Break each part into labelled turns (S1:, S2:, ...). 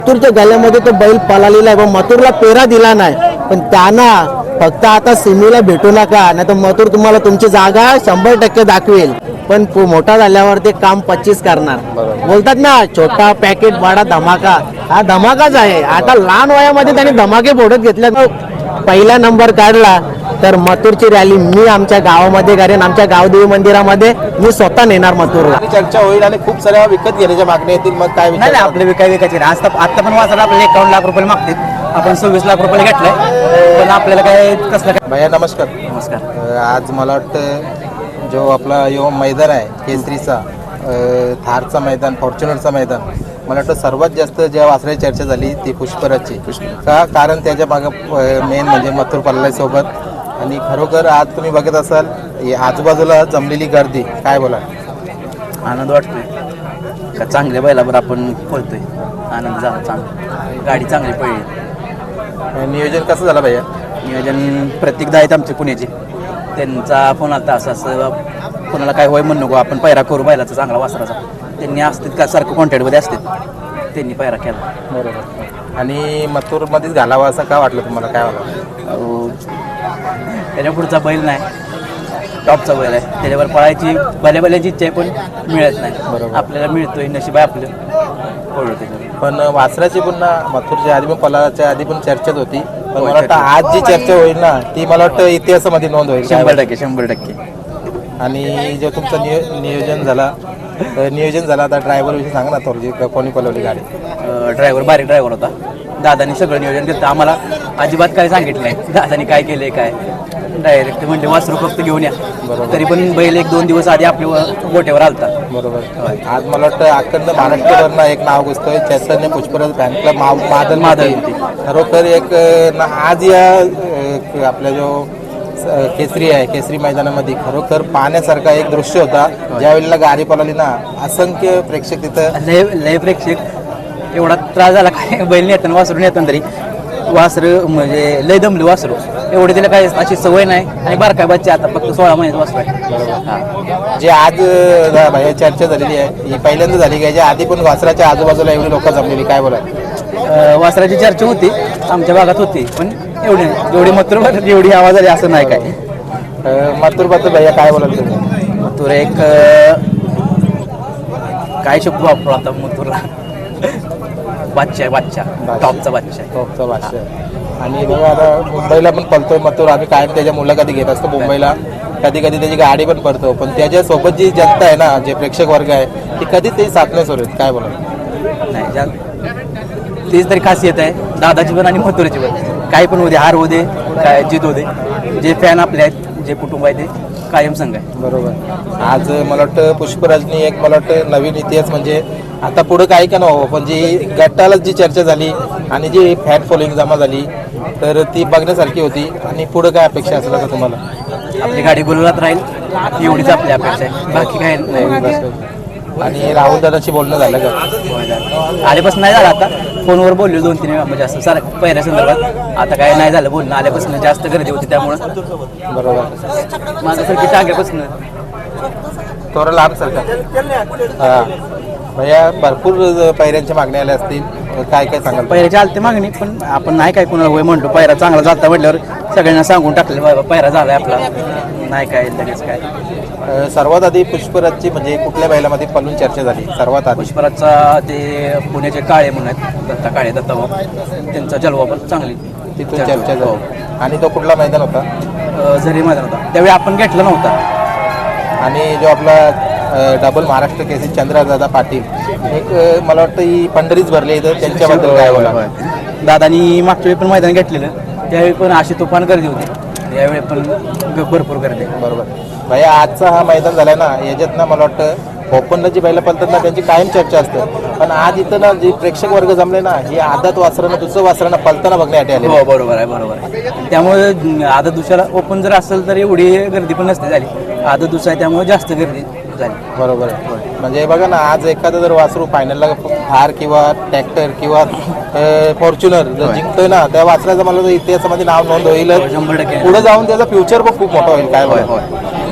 S1: मथुरच्या गळ्यामध्ये तो बैल पळालेला आहे, पण मथुरला पेरा दिला नाही. पण त्यांना फक्त आता सिमीला भेटू नका, नाही तर मथुर तुम्हाला तुमची जागा 100% दाखवेल. पण मोठा झाल्यावर ते काम 25 करणार. बोलतात ना, छोटा पॅकेट बडा धमाका. हा धमाकाच आहे. आता लहान वयामध्ये त्यांनी धमाके फोडत घेतल्या. पहिला नंबर काढला तर मथुरची रॅली मी आमच्या गावामध्ये करेन. आमच्या गावदेवी मंदिरामध्ये मी स्वतः नेणार मथुरला.
S2: चर्चा होईल आणि खूप साऱ्या विकत घेण्याच्या मागण्या येतील. मग काय
S3: नाही आपले विकायचे आता पण वाचायला आपल्याला 51 लाख रुपये मागतील. आपण 26 लाख रुपये घेतलंय, पण आपल्याला काय कसलं काय.
S2: भैया नमस्कार.
S3: नमस्कार.
S2: आज मला वाटतं जो आपला यो मैदान आहे केसरीचा, थारचा मैदान, फॉर्च्युनरचा मैदान, मला वाटतं सर्वात जास्त ज्या वासराची चर्चा झाली ती पुष्पराजची. का कारण त्याच्या मागं मेन म्हणजे मथुर पल्ला सोबत. आणि खरोखर आज तुम्ही बघत असाल आजूबाजूला जमलेली गर्दी, काय बोला.
S3: आनंद वाटतोय का चांगल्या बैलावर आपण पळतोय. आनंद झाला, चांगला गाडी चांगली पळली.
S2: नियोजन कसं झालं भैया?
S3: नियोजन प्रत्येकदा आहेत आमचे पुण्याचे, त्यांचा फोन आता असं कोणाला काय होय म्हणू नको, आपण पैरा करू बैलाचा चांगला वासराचा. त्यांनी असतात का सारखं कॉन्टॅक्टमध्ये असतात, त्यांनी पैरा केला.
S2: बरोबर. आणि मथुरमध्येच घालावा असं का वाटलं तुम्हाला, काय वाटलं?
S3: त्याच्या पुढचा बैल नाही, टॉपचा बैल आहे, त्याच्यावर पळायची बैलाची इच्छा आहे, पण मिळत नाही.
S2: बरोबर.
S3: आपल्याला मिळतोय, नशीब आहे आपलं, पळू त्याच्यावर.
S2: पण वासराची पुन्हा मथुरच्या आधी पण पलाच्या आधी पण चर्चेत होती. पण मला वाटतं आज जी चर्चा होईल ना ती मला वाटतं इतिहासामध्ये नोंद होईल.
S3: 100%.
S2: आणि जो तुमचं नियोजन झाला आता ड्रायव्हर विषयी सांगा ना थोडी, कोणी पलवली गाडी?
S3: ड्रायव्हर बारीक ड्रायव्हर होता. दादानी सगळं नियोजन केलं, आम्हाला अजिबात काय सांगितलं नाही. दादानी काय केलंय काय, डायरेक्ट म्हणजे वासरू फक्त घेऊन या. तरी पण बैल 1-2 दिवस आधी आपल्या गोट्यावर आलता.
S2: बरोबर. आज मला वाटतं अखंड महाराष्ट्रभरनं एक नाव घुसतोय, चैतन्य पुष्पराज फॅन क्लब मादल. खरोखर एक आज या आपल्या जो केसरी आहे, केसरी मैदानामध्ये खरोखर पाहण्यासारखा एक दृश्य होता. ज्या वेळेला गाडी पळाली ना, असंख्य प्रेक्षक तिथं,
S3: लय प्रेक्षक. एवढा त्रास झाला काय बैल नेताना वासरून येताना, तरी वासरं म्हणजे लय दमली वासरू. एवढे तिला काय अशी सवय नाही. आणि बारकाय बच्चे आता फक्त 16 महिन्यात वासरू आहे.
S2: जे आज चर्चा झालेली आहे ही पहिल्यांदा झाली का? याच्या आधी पण वासराच्या आजूबाजूला एवढी लोक जमलेली, काय बोला?
S3: वासराची चर्चा होती, आमच्या भागात होती, पण एवढी मथुर एवढी आवाज आली असं नाही काय.
S2: मथुरबद्दल भैया काय बोलाल तुम्ही?
S3: मथुर एक काय शब्द वापरू आता मथुरला, बादशाह टॉपचा बादशाह.
S2: आणि बघा आता मुंबईला पण पळतोय मथुर, आम्ही कायम त्याच्या मुलाखती घेत असतो मुंबईला. कधी कधी त्याची गाडी पण पडतो, पण त्याच्यासोबत जी जनता आहे ना, जे प्रेक्षक वर्ग आहे ती कधी ते साथ नाही सोडत, काय बोला?
S3: नाही तीच तरी खासियत आहे दादाची पण आणि मथुराची पण. काही पण होऊ दे, हार होऊ दे, काय जीत होऊ दे, जे फॅन आपले आहेत, जे कुटुंब आहे ते कायम संघ आहे.
S2: बरोबर. आज मला वाटतं पुष्पराजनी एक मला वाटतं नवीन इतिहास, म्हणजे आता पुढं काही का नव्हतं, पण जी गटाला जी चर्चा झाली आणि जी फॅन फॉलोईंग जमा झाली तर ती बघण्यासारखी होती. आणि पुढं काय अपेक्षा असेल का तुम्हाला?
S3: आपली गाडी गुलालात राहील एवढीच आपली अपेक्षा आहे, बाकी काय नाही.
S2: आणि राहुल दादाशी बोलणं झालं का?
S3: आल्यापासून नाही झालं, आता फोनवर बोललो 2-3 वेळा, म्हणजे असं सारखं पहिल्या संदर्भात. आता काय नाही झालं बोलणं, आल्यापासून जास्त गर्दी होती त्यामुळं.
S2: बरोबर.
S3: माझ्यासारखी टाक्यापासून
S2: थोडं लांब सरकार. हां भैया, भरपूर पैऱ्यांच्या मागण्या आल्या असतील, काय काय सांगाल?
S3: पैऱ्याची आलते मागणी, पण आपण नाही काय कोणाला होय म्हणतो. पैरा चांगला झाला म्हटल्यावर सगळ्यांना सांगून टाकलं बाबा पैरा झालाय आपला, नाही काय लगेच काय.
S2: सर्वात आधी पुष्पराजची म्हणजे कुठल्या बैलामध्ये पळून चर्चा झाली सर्वात आधी?
S3: पुष्पराजचा ते पुण्याचे काळे म्हणून आहेत, दत्ता काळे, दत्ताभाऊ, त्यांचा जलवा पण चांगली
S2: तिथून चर्चा झाली. आणि तो कुठला मैदान होता?
S3: झरी मैदान होता, त्यावेळी आपण घेतला नव्हता.
S2: आणि जो आपला डबल महाराष्ट्र केसरी चंद्रदादा पाटील, एक मला वाटतं ही पंढरीच भरली इथं, त्यांच्याबद्दल काय बोला?
S3: दादानी मागच्या वेळी पण मैदान घेतलेलं, त्यावेळी पण अशी तुफान गर्दी होती, यावेळी पण भरपूर गर्दी.
S2: बरोबर. भैया, आजचा हा मैदान झालाय ना, याच्यात ना मला वाटतं ओपनला जी बैलं पळतात ना त्यांची कायम चर्चा असते, पण आज इथं ना जी प्रेक्षक वर्ग जमले ना, ही आदत वासरानं दुसरं वासरानं पळताना बघण्यासाठी आले.
S3: हो बरोबर आहे. त्यामुळे आदत दुसऱ्याला ओपन जर असेल तर एवढी गर्दी पण नसते झाली, आदत दुसरा आहे त्यामुळे जास्त गर्दी झाली.
S2: बरोबर आहे. म्हणजे बघा ना, आज एखादं जर वासरू फायनलला थार किंवा ट्रॅक्टर किंवा फॉर्च्युनर जर जिंकतोय ना, त्या वासराचं मला इतिहासामध्ये नाव नोंद होईल.
S3: 100%
S2: पुढे जाऊन त्याचा फ्युचर पण खूप मोठा होईल. काय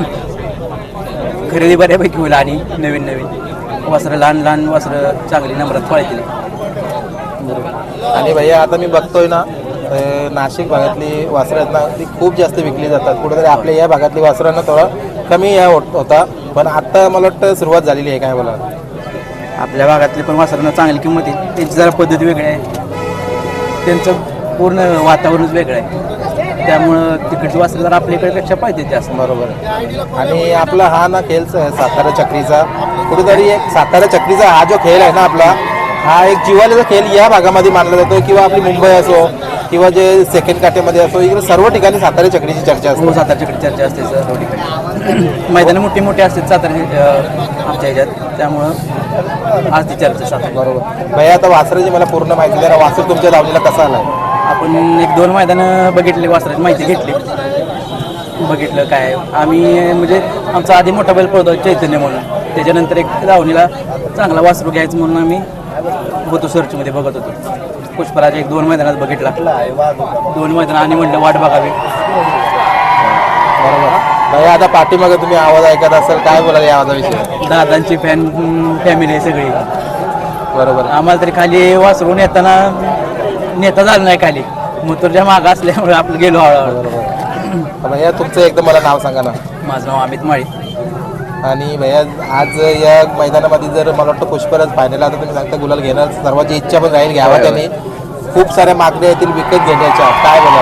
S3: खरेदी बऱ्यापैकी होईल आणि नवीन वासरं, लहान वासरं चांगली नंबरात पळतील.
S2: आणि भैया आता मी बघतोय ना नाशिक भागातली वासरं आहेत ना ती खूप जास्त विकली जातात. कुठेतरी आपल्या या भागातली वासरांना थोडा कमी या होता, पण आता मला वाटतं सुरुवात झालेली आहे. काय बोला?
S3: आपल्या भागातली पण वासरांना चांगली किंमत आहे. त्यांची जरा पद्धत वेगळी आहे, त्यांचं पूर्ण वातावरणच वेगळं आहे, त्यामुळं तिकडची वासरं जरा आपल्याकडे पाहिजे जास्त.
S2: बरोबर. आणि आपला हा ना खेळ सातारा चक्रीचा कुठेतरी एक सातारा चक्रीचा हा जो खेळ आहे ना आपला, हा एक जिव्हाळ्याचा खेळ या भागामध्ये मानला जातो. किंवा आपली मुंबई असो किंवा जे सेकंड काठेमध्ये असो, इकडे सर्व ठिकाणी सातारा चक्रीची चर्चा असते.
S3: सातारा चक्री चर्चा असते सर्व ठिकाणी. मैदानं मोठी मोठी असतात सातारा आमच्या ह्याच्यात, त्यामुळं आज ती चर्चा सातारा.
S2: बरोबर. भैया आता वासराची मला पूर्ण माहिती द्या. वासर तुमच्या दावणीला कसा आलाय?
S3: आपण 1-2 मैदानं बघितली, वासराची माहिती घेतली, बघितलं काय आम्ही म्हणजे आमचा आधी मोठा बैल पळतो चैतन्य म्हणून, त्याच्यानंतर एक धावणीला चांगला वासरू घ्यायचं म्हणून आम्ही होतो सर्चमध्ये बघत होतो. पुष्पराज 1-2 मैदानात बघितला, 2 मैदान आणि म्हटलं वाट बघावी.
S2: बरोबर. भैया आता पाठीमागे तुम्ही आवाज ऐकत असाल, काय बोलाल या आवाजाविषयी?
S3: दादांची फॅमिली आहे सगळी.
S2: बरोबर.
S3: आम्हाला तरी खाली वासरू नेता झालं नाही खाली, मुतुरच्या मागं असल्यामुळे आपलं गेलो हळूहळू.
S2: भैया तुमचं एकदम मला नाव सांगा ना.
S3: माझं नाव अमित माळी.
S2: आणि भैया आज या मैदानामध्ये जर मला वाटतं पुष्पराज फायनल आता तुम्ही सांगता गुलाल घेणार, सर्वांची इच्छा पण राहील घ्यावा त्यांनी. खूप साऱ्या मागण्या येतील विकत घेण्याच्या, काय बोलाल?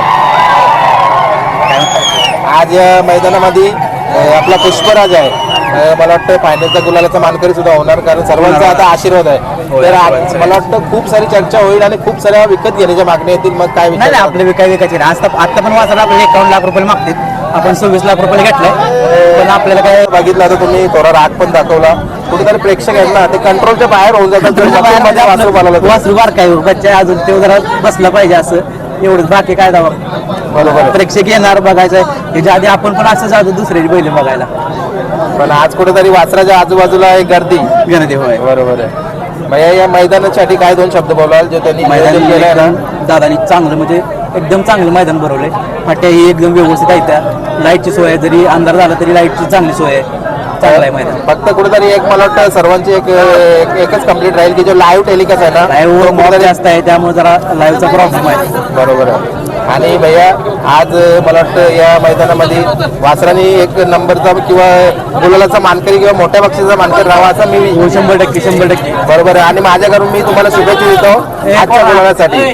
S2: आज या मैदानामध्ये आपला पुष्पराज आहे, मला वाटतं फायनलचा गुलालाचा मानकरी सुद्धा होणार, कारण सर्वांचा आता आशीर्वाद आहे. तर मला वाटतं खूप सारी चर्चा होईल आणि खूप साऱ्या विकत घेण्याच्या मागण्या येतील. मग काय
S3: नाही आपले विकायचे आता पण वासरा आपल्याला 51 लाख रुपये मागतात, आपण 26 लाख रुपये घेतलंय, पण आपल्याला काय
S2: बघितलं आता तुम्ही थोडा राग पण दाखवला. कुठेतरी प्रेक्षक आहेत ना ते कंट्रोलच्या बाहेर होऊन जातात.
S3: वासरू बार काय बच्चा अजून ते जरा बसला पाहिजे असं एवढंच, बाकी काय दावा.
S2: बरोबर.
S3: प्रेक्षक येणार बघायचं, त्याच्या आधी आपण पण असं जातो दुसऱ्याची बैल बघायला.
S2: पण आज कुठेतरी वासराच्या आजूबाजूला एक गर्दी
S3: होय.
S2: बरोबर आहे. भैया या मैदानासाठी काय 2 शब्द बोलाल जे त्यांनी
S3: मैदान
S2: केलंय ना?
S3: दादानी चांगलं म्हणजे एकदम चांगलं मैदान भरवलंय. फाट्या ही एकदम व्यवस्थित आहे, त्या लाईटची सोय आहे, जरी अंधार झाला तरी लाईटची चांगली सोय आहे, चांगलं आहे मैदान.
S2: फक्त कुठेतरी एक मला वाटतं सर्वांची एकच कंप्लीट राहील की जो लाईव्ह टेलिकास्ट आहे ना,
S3: लाईव्ह मोबाईल जास्त आहे, त्यामुळे जरा लाईव्हचा प्रॉब्लेम आहे.
S2: बरोबर आहे. आणि भैया आज मला वाटतं या मैदानामध्ये वासरांनी 1 नंबरचा किंवा गुलालाचा मानकरी किंवा मोठ्या बक्षीचा मानकरी राहावा असं मी
S3: 100%
S2: बरोबर आहे. आणि माझ्याकडून मी तुम्हाला शुभेच्छा देतो आजच्या गुलालासाठी.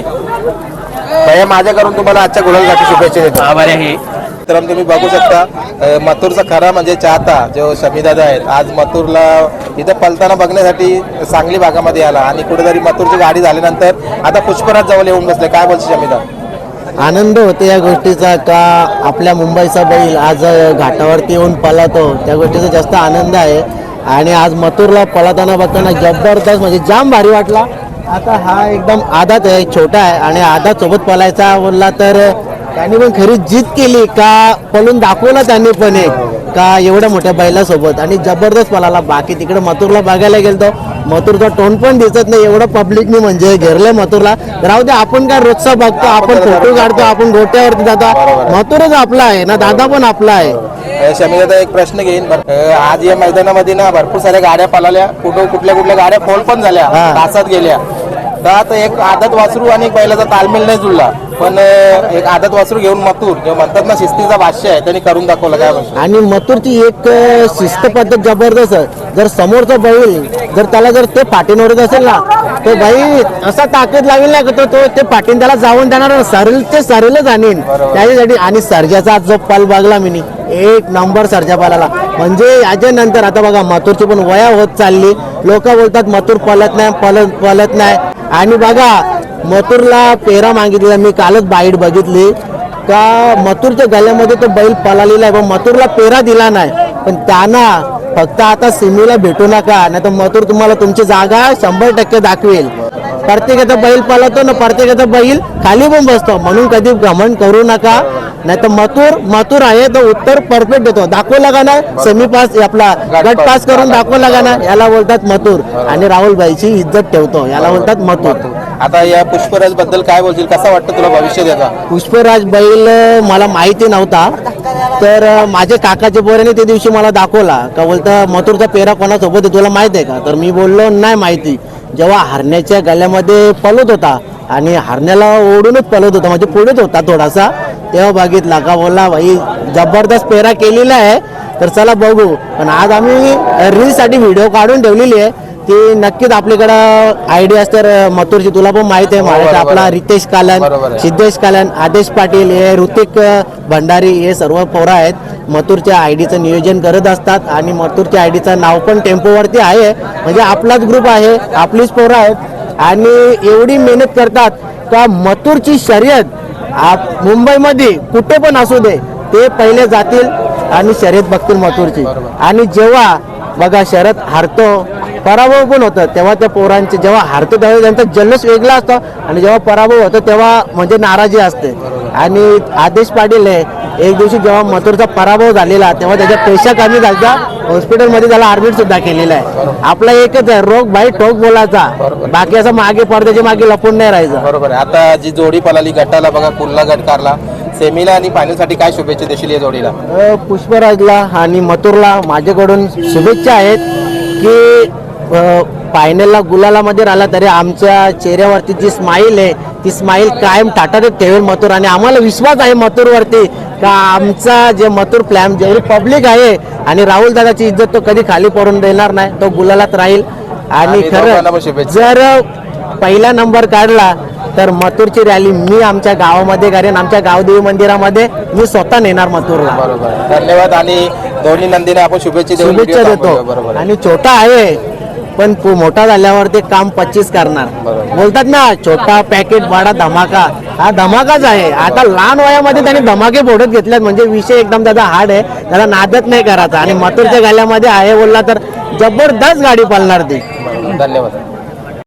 S2: भैया माझ्याकडून तुम्हाला आजच्या गुलालासाठी शुभेच्छा देतो.
S3: आभार आहे.
S2: तर तुम्ही बघू शकता मथुरचा खरा म्हणजे चाहता जो शमीदादा आहेत, आज मथुरला इथं पलताना बघण्यासाठी सांगली भागामध्ये आला आणि कुठेतरी मथुरची गाडी झाल्यानंतर आता पुष्पराज जवळ येऊन बसले. काय बोलते शमीदा?
S1: आनंद होतो या गोष्टीचा का आपल्या मुंबईचा बैल आज घाटावरती येऊन पळतो, त्या गोष्टीचा जास्त आनंद आहे. आणि आज मथुरला पळताना बघताना जबरदस्त म्हणजे जाम भारी वाटला. आता हा एकदम आदात आहे, छोटा आहे आणि आदात सोबत पळायचा बोलला तर त्यांनी पण खरी जिद केली का पळून दाखवला त्यांनी पण एक का एवढ्या मोठ्या बैलासोबत आणि जबरदस्त पळाला. बाकी तिकडे मथुरला बघायला गेलो, मथुरचा टोन पण दिसत नाही, एवढं पब्लिकनी म्हणजे घेरलंय मथुरला. राहू दे, आपण काय रोजचा बघतो, आपण फोटो काढतो, आपण गोट्यावरती जातो, मथुरच आपला आहे ना, दादा पण आपला आहे.
S2: शमीदा एक प्रश्न घेईन. आज या मैदानामध्ये ना भरपूर साऱ्या गाड्या पळाल्या, कुठल्या गाड्या फोल पण झाल्या, तासात गेल्या. तर आता एक आदत वासरू आणि एक बैलाचा तालमेल नाही जुळला, पण एक आदत वासरू घेऊन मथुर जे म्हणतात ना शिस्तीचा भाष्य आहे त्यांनी करून दाखवलं. काय म्हणतो?
S1: आणि मथुरची एक शिस्त पद्धत जबरदस्त आहे. जर समोरचा बैल जर त्याला जर ते पाठीवर येत असेल ना, तो बाई असा ताकद लागेल ना तो ते पाठीन त्याला जाऊन देणार, सरेलच आणीन त्याच्यासाठी. आणि सर्जाचा जो पाल बघला मी, 1 नंबर सर्जा पालाला. म्हणजे याच्या नंतर आता बघा मथुरची पण वया होत चालली, लोक बोलतात मथुर पळत नाही. आणि बघा मथुरला पेरा मागितला, मी कालच बाईट बघितली का मथुरच्या गळ्यामध्ये तो बैल पळालेला आहे, पण मथुरला पेरा दिला नाही. पण त्यांना फक्त आता सिमीला भेटू नका, नाही तर मथुर तुम्हाला तुमची जागा 100% दाखवेल. प्रत्येकाचा बैल पळतो ना, प्रत्येकाचा बैल खाली पण बसतो, म्हणून कधी घमंड करू नका. नाही तर मथुर आहे तो उत्तर परफेक्ट देतो. दाखवला का ना सेमी पास, आपला गट पास करून दाखवला का ना, याला बोलतात मथुर. आणि राहुल भाईची इज्जत ठेवतो, याला बोलतात मथुर.
S2: आता या पुष्पराज बद्दल काय बोलतील, कसा वाटतं तुला भविष्य त्याचा?
S1: पुष्पराज बैल मला माहिती नव्हता, तर माझे काकाचे पोराने त्या दिवशी मला दाखवला का बोलता मथुरचा पेरा कोणासोबत तुला माहित आहे का, तर मी बोललो नाही माहिती. जेव्हा हरण्याच्या गळ्यामध्ये पळत होता आणि हरण्याला ओढूनच पळत होता, म्हणजे पुढेच होता थोडासा. तेव्हा बघितला का बोलला भाई जबरदस्त पेरा केलेला आहे, तर चला बघू. पण आज आम्ही रीलसाठी व्हिडिओ काढून ठेवलेली आहे, ती नक्कीच आपल्याकडं आयडिया असते मथुरची. तुला पण माहित आहे महाराष्ट्र आपला रितेश कालन,
S2: बरोबर आहे.
S1: सिद्धेश कालन, आदेश पाटील, हे ऋतिक भंडारी, हे सर्व पोरं आहेत मथुरच्या आयडीचं नियोजन करत असतात. आणि मथुरच्या आयडीचं नाव पण टेम्पोवरती आहे, म्हणजे आपलाच ग्रुप आहे, आपलीच पोरं आहेत आणि एवढी मेहनत करतात का मथुरची शर्यत मुंबईमध्ये कुठे पण असू दे ते पहिले जातील आणि शर्यत बघतील मथुरची. आणि जेव्हा बघा शर्यत हारतो, पराभव पण होतं, तेव्हा त्या पोरांचे जेव्हा हारतो तेव्हा त्यांचा जल्लोष वेगळा असतो, आणि जेव्हा पराभव होतो तेव्हा म्हणजे नाराजी असते. आणि आदेश पाटील एक दिवशी जेव्हा मथुरचा पराभव झालेला तेव्हा त्याच्या पेशा कमी झाला, हॉस्पिटलमध्ये त्याला ऍडमिट सुद्धा केलेला आहे. आपला एकच आहे रोग भाई ठोक बोलायचा, बाकी असं मागे पडद्याच्या मागे लपून नाही राहायचं.
S2: बरोबर आहे. आता जी जोडी पळाली गटाला बघा, कुल्ला गट कारला, सेमीला आणि फायनलसाठी काय शुभेच्छा देशील या जोडीला?
S1: पुष्पराजला आणि मथुरला माझ्याकडून शुभेच्छा आहेत की फायनलला गुलालामध्ये राहिला तरी आमच्या चेहऱ्यावरती जी स्माईल आहे ती स्माईल कायम टाटाटच ठेवेल मथुर. आणि आम्हाला विश्वास आहे मथुरवरती का आमचा जे मथुर फ्लॅम जेवढी पब्लिक आहे आणि राहुल दादाची इज्जत तो कधी खाली पडून देणार नाही, तो गुलालात राहील. आणि
S2: दोघांना पण
S1: खरं
S2: शुभेच्छा.
S1: जर पहिला नंबर काढला तर मथुरची रॅली मी आमच्या गावामध्ये करेन, आमच्या गावदेवी मंदिरामध्ये मी स्वतः नेणार मथुरला.
S2: बरोबर, धन्यवाद. आणि दोन्ही नंदीने आपण शुभेच्छा देऊन
S1: शुभेच्छा
S2: व्हिडिओ
S1: देतो.
S2: थांबवूया. बरोबर आहे.
S1: आणि छोटा आहे पण मोठा झाल्यावर ते काम 25 करणार.
S2: बरोबर.
S1: बोलतात ना छोटा पॅकेट बडा धमाका, हा धमाकाच आहे. आता लहान वयामध्ये त्यांनी धमाके फोडत घेतल्यात, म्हणजे विषय एकदम त्याचा हार्ड आहे, त्याला नादत नाही करायचा. आणि मथुरच्या गाल्यामध्ये आहे बोलला तर जबरदस्त गाडी पळणार ती.
S2: बरोबर. धन्यवाद.